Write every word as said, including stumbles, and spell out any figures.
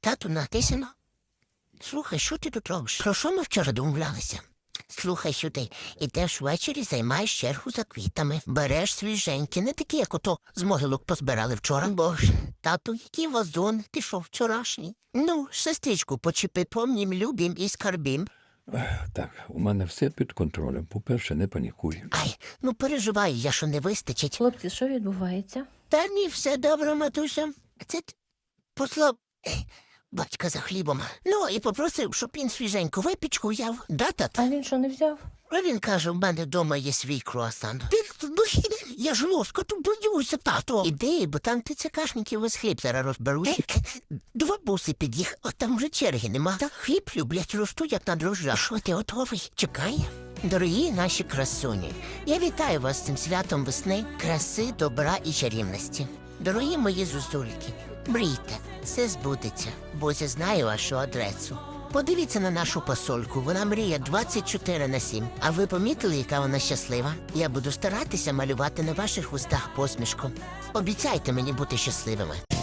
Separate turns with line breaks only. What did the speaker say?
Тату, натисано. Слухай, що ти тут робиш? Про що ми вчора домовлялися? Слухай сюди, ідеш ввечері, займаєш чергу за квітами, береш свіженькі, не такі, як ото з могилок позбирали вчора. Боже, тату, який вазон, ти що, вчорашній? Ну, сестричку почепи помнім, любім і скарбім.
Так, у мене все під контролем. По-перше, не панікуй.
Ай, ну переживаю я, що не вистачить.
Хлопці, що відбувається?
Та ні, все добре, матуся. Це т- послав е, батька за хлібом. Ну, і попросив, щоб він свіженьку випічку взяв. Да, тат?
А він що, не взяв?
А він каже, в мене вдома є свій круасан. Ти, ну, я ж ложка тут боюся, тато. Іди, бо там ти цикашників весь хліб зараз розберуть. Два буси під'їх, а там вже черги нема. Та хліб люблять, ростуть, як на дрожжах. Що ти готовий? Чекай. Дорогі наші красуні, я вітаю вас з цим святом весни, краси, добра і чарівності. Дорогі мої зозульки, мрійте, все збудеться, бо я знаю вашу адресу. Подивіться на нашу посольку, вона мріє двадцять чотири на сім. А ви помітили, яка вона щаслива? Я буду старатися малювати на ваших устах посмішку. Обіцяйте мені бути щасливими.